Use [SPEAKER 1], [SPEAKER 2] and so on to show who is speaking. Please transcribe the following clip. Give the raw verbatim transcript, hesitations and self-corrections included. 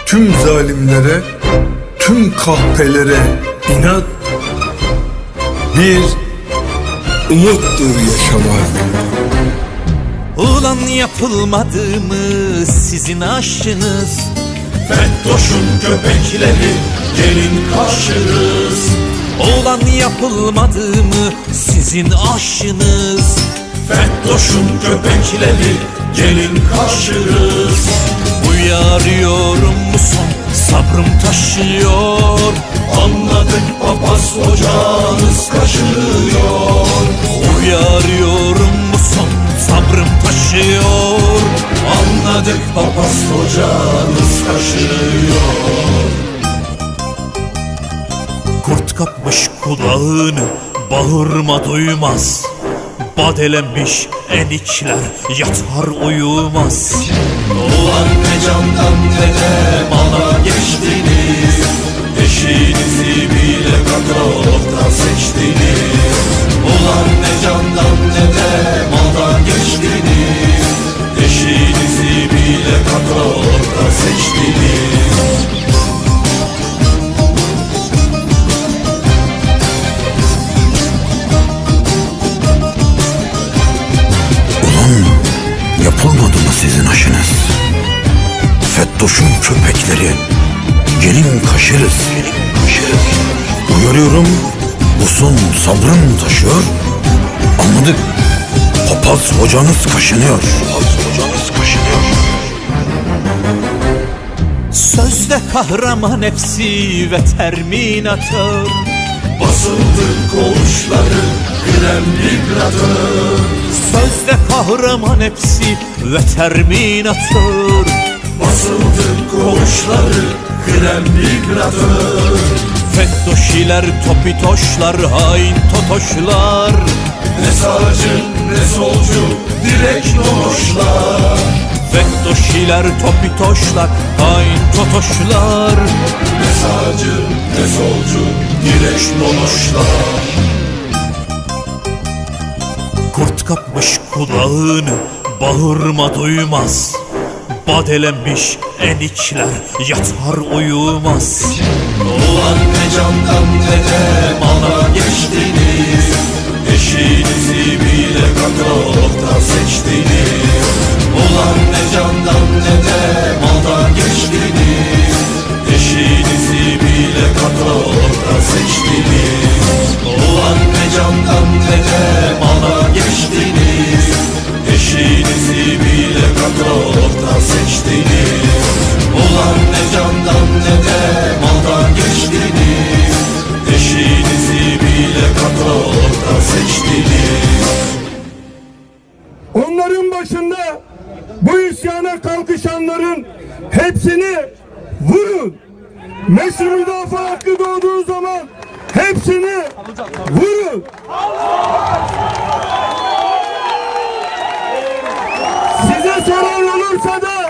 [SPEAKER 1] tüm zalimlere, tüm kahpelere inat bir umuttur yaşamak.
[SPEAKER 2] Ulan yapılmadı mı sizin aşınız?
[SPEAKER 3] Fettoş'un köpekleri gelin kaşırız.
[SPEAKER 2] Ulan yapılmadı mı sizin aşınız?
[SPEAKER 3] Fettoş'un köpekleri gelin kaşırız.
[SPEAKER 2] Uyarıyorum bu son sabrım taşıyor.
[SPEAKER 3] Anladık papaz hocanız kaşınıyor.
[SPEAKER 2] Uyarıyorum bu son sabrım taşıyor.
[SPEAKER 3] Anladık papaz hocanız kaşınıyor.
[SPEAKER 2] Kurt kapmış kulağını, bağırma duymaz. Badelenmiş enikler yatar uyumaz.
[SPEAKER 3] Ulan ne candan ne de mala geçtiniz. Eşinizi bile katalogda seçtiniz. Ulan ne candan ne de mala geçtiniz. Eşinizi bile katalogda seçtiniz.
[SPEAKER 4] Yapılmadı mı sizin aşınız? Fettoş'un köpekleri gelin kaşırız. Uyarıyorum bu son sabrım taşıyor. Anladık papaz hocanız kaşınıyor. Papaz hocanız kaşınıyor.
[SPEAKER 2] Sözde kahraman hepsi ve terminatör.
[SPEAKER 3] Basıldı koğuşları krem vibratör.
[SPEAKER 2] Sözde kahraman hepsi ve terminatör.
[SPEAKER 3] Basıldı koğuşları krem vibratör.
[SPEAKER 2] Fettoşiler, topitoşlar, hain totoşlar.
[SPEAKER 3] Ne sağcı ne solcu direkt nonoşlar.
[SPEAKER 2] Fettoşiler, topitoşlar, hain totoşlar.
[SPEAKER 3] Ne sağcı ne solcu direkt nonoşlar.
[SPEAKER 2] Kurt kapmış kulağını, bağırma duymaz. Badelenmiş enikler yatar uyumaz.
[SPEAKER 3] Ulan ne candan ne de mala geçtiniz. Eşinizi bile katalogda seçtiniz. Ulan ne candan ne de mala geçtiniz. Eşinizi bile katalogda seçtiniz. Ulan ne candan ne de mala geçtiniz. Eşinizi bile katalogda seçtiniz. Ulan ne candan ne de maldan geçtiniz. Eşinizi bile katalogda seçtiniz.
[SPEAKER 5] Onların başında bu isyana kalkışanların hepsini vurun. Meşru müdafaa hakkı doğduğu zaman hepsini vurun. Size soran olursa da